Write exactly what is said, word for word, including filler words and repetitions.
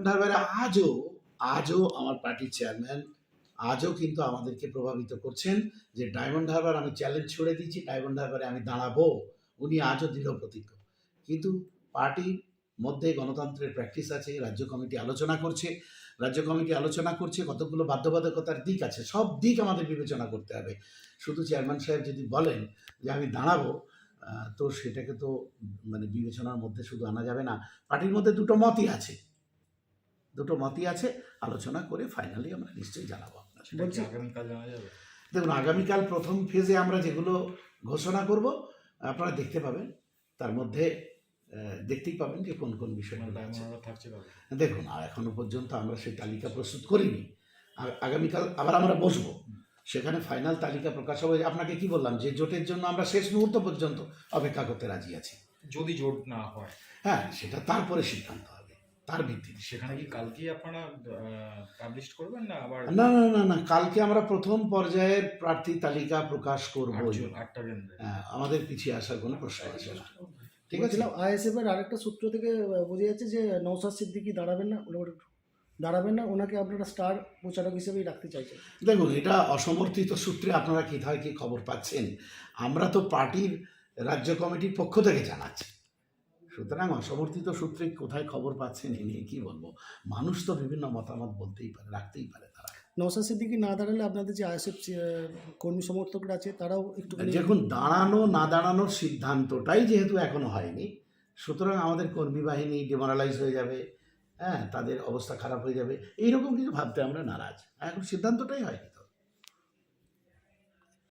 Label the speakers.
Speaker 1: Diamond হারবারে আজও আজও আমার পার্টির চেয়ারম্যান আজও কিন্তু আমাদেরকে প্রভাবিত করছেন যে ডায়মন্ড হারবার আমি চ্যালেঞ্জ ছুড়ে দিয়েছি, ডায়মন্ড হারবারে আমি দাঁড়াবো। উনি আজও দৃঢ় প্রতিজ্ঞ। কিন্তু পার্টির মধ্যে গণতন্ত্রের প্র্যাকটিস আছে, রাজ্য কমিটি আলোচনা করছে, রাজ্য কমিটি আলোচনা করছে, কতগুলো বাধ্যবাধকতার দিক আছে, সব দিক আমাদের বিবেচনা করতে হবে। শুধু চেয়ারম্যান সাহেব যদি বলেন যে আমি দাঁড়াবো, তো সেটাকে তো মানে বিবেচনার মধ্যে শুধু আনা যাবে না। পার্টির মধ্যে দুটো মতই আছে, দুটো মতই আছে, আলোচনা করে ফাইনালি আমরা নিশ্চয়ই জানাবো আপনার।
Speaker 2: আগামীকাল জানা যাবে।
Speaker 1: দেখুন, আগামীকাল প্রথম ফেজে আমরা যেগুলো ঘোষণা করব আপনারা দেখতে পাবেন, তার মধ্যে দেখতেই পাবেন যে কোন কোন বিষয়গুলো আছে। দেখুন, আর এখনো পর্যন্ত আমরা সেই তালিকা প্রস্তুত করিনি। আগামীকাল আবার আমরা বসবো, সেখানে ফাইনাল তালিকা প্রকাশ হবে। আপনাকে কি বললাম যে জোটের জন্য আমরা শেষ মুহূর্ত পর্যন্ত অপেক্ষা করতে রাজি আছি।
Speaker 2: যদি জোট না হয়,
Speaker 1: হ্যাঁ, সেটা তারপরে সিদ্ধান্ত হবে, তার ভিত্তিতে।
Speaker 2: সেখানে কি কালকেই আপনারা পাবলিশ করবেন না আবার?
Speaker 1: না না না না, কালকে আমরা প্রথম পর্যায়ের প্রার্থী তালিকা প্রকাশ করব। আমাদের পিছিয়ে আসার কোনো প্রশ্ন আসে না। ঠিক আছে।
Speaker 3: আইএসএফ এর আরেকটা সূত্র থেকে বোঝা যাচ্ছে যে নওশাদ সিদ্দিকী দাঁড়াবেন না, দাঁড়াবেন না, ওনাকে আপনারা স্টার প্রচারক হিসেবেই রাখতে চাইছেন।
Speaker 1: দেখুন, এটা অসমর্থিত সূত্রে আপনারা কোথায় কি খবর পাচ্ছেন? আমরা তো পার্টির রাজ্য কমিটির পক্ষ থেকে জানাচ্ছি, সুতরাং অসমর্থিত সূত্রে কোথায় খবর পাচ্ছেন এ নিয়ে কি বলবো। মানুষ তো বিভিন্ন মতামত বলতেই পারে, রাখতেই পারে। তারা
Speaker 3: নওশাদ সিদ্দিকী না দাঁড়ালে আপনাদের যে আইএসএফ কর্মী সমর্থকরা আছে তারাও একটু
Speaker 1: দেখুন, দাঁড়ানো না দাঁড়ানোর সিদ্ধান্তটাই যেহেতু এখনো হয়নি, সুতরাং আমাদের কর্মী বাহিনী ডিমোরালাইজ হয়ে যাবে, হ্যাঁ, তাদের অবস্থা খারাপ হয়ে যাবে, এইরকম কিছু ভাবতে আমরা নারাজ। এখন সিদ্ধান্তটাই হয়নি।